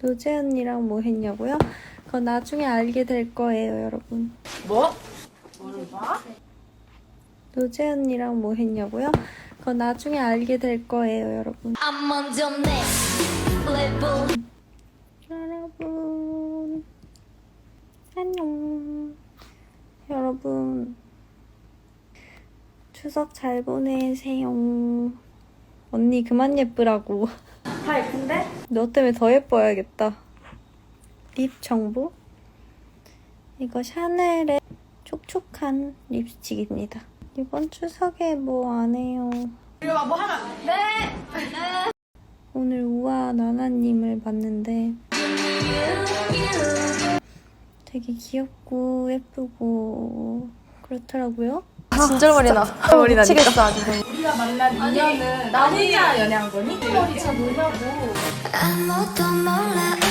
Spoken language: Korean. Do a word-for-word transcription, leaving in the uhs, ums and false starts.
노재 언니랑 뭐 했냐고요? 그거 나중에 알게 될 거예요, 여러분. 뭐? 뭐를 봐? 노재 언니랑 뭐 했냐고요? 그거 나중에 알게 될 거예요, 여러분. I'm on the next level. 여러분, 안녕. 여러분, 추석 잘 보내세요. 언니 그만 예쁘라고. 다 예쁜데? 너 때문에 더 예뻐야겠다. 립 정보? 이거 샤넬의 촉촉한 립스틱입니다. 이번 추석에 뭐 안 해요. 이리 와, 뭐 하나. 네! 오늘 우아 나나님을 봤는데 되게 귀엽고 예쁘고 그렇더라고요. 진절머리 나. 머리 나니까. 미치겠어 아주. 우리가 만난 인연은 나 혼자 연애한 거니? 머리 잘 놀라고. 아무도 몰라